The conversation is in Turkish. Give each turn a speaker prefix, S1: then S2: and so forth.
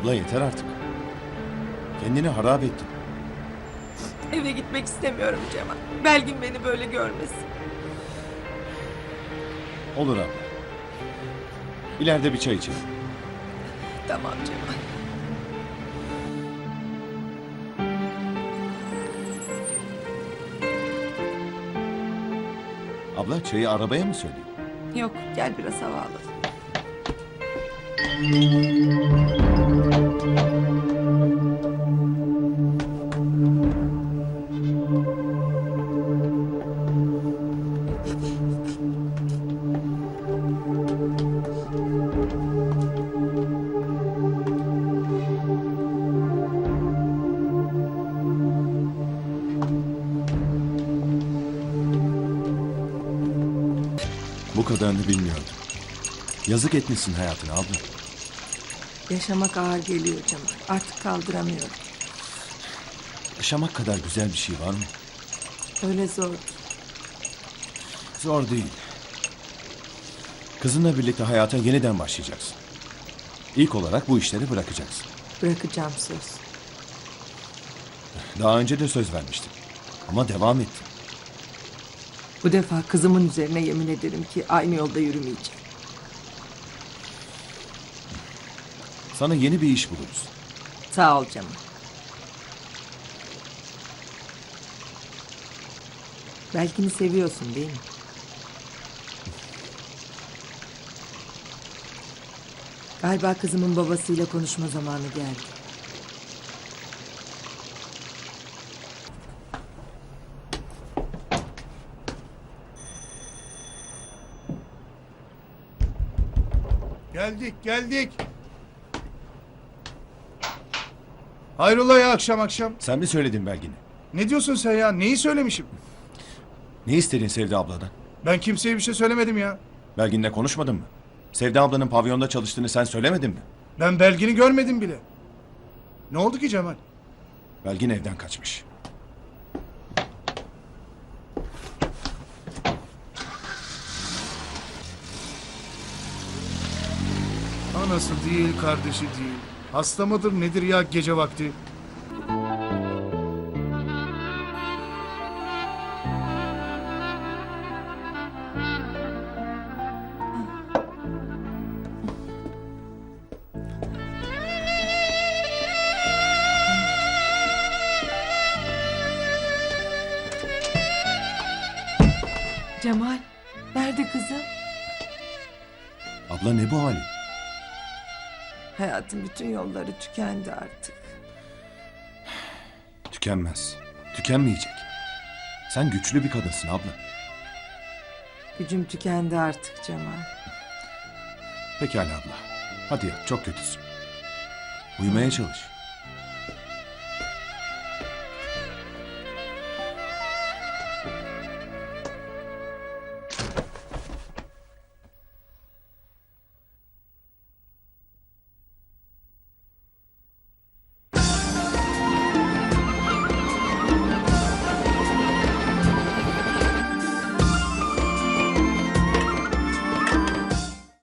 S1: Abla yeter artık. Kendini harap ettin.
S2: Eve gitmek istemiyorum Cemal. Belgin beni böyle görmesin.
S1: Olur abla. İleride bir çay içelim.
S2: Tamam Cemal.
S1: Abla çayı arabaya mı söyleyeyim?
S2: Yok, gel biraz hava alalım.
S1: Bu kadarını bilmiyordum. Yazık etmişsin hayatına abla.
S2: Yaşamak ağır geliyor Cemal. Artık kaldıramıyorum.
S1: Yaşamak kadar güzel bir şey var mı?
S2: Öyle zor.
S1: Zor değil. Kızınla birlikte hayata yeniden başlayacaksın. İlk olarak bu işleri bırakacaksın.
S2: Bırakacağım söz.
S1: Daha önce de söz vermiştim. Ama devam ettin.
S2: Bu defa kızımın üzerine yemin ederim ki aynı yolda yürümeyeceğim.
S1: Sana yeni bir iş buluruz.
S2: Sağ ol Cemal. Belkini seviyorsun değil mi? Galiba kızımın babasıyla konuşma zamanı geldi.
S3: Geldik. Hayrola ya akşam akşam?
S1: Sen mi söyledin Belgin'e?
S3: Ne diyorsun sen ya? Neyi söylemişim?
S1: Ne istedin Sevda abladan?
S3: Ben kimseye bir şey söylemedim ya.
S1: Belgin'le konuşmadın mı? Sevda ablanın pavyonda çalıştığını sen söylemedin mi?
S3: Ben Belgin'i görmedim bile. Ne oldu ki Cemal?
S1: Belgin evden kaçmış.
S3: Anası değil, kardeşi değil. Hasta mıdır nedir ya gece vakti?
S2: Cemal, nerede kızım?
S1: Abla ne bu hali?
S2: Hayatın bütün yolları tükendi artık.
S1: Tükenmez. Tükenmeyecek. Sen güçlü bir kadınsın abla.
S2: Gücüm tükendi artık Cemal.
S1: Pekala abla. Hadi yat, çok kötüsün. Uyumaya çalış.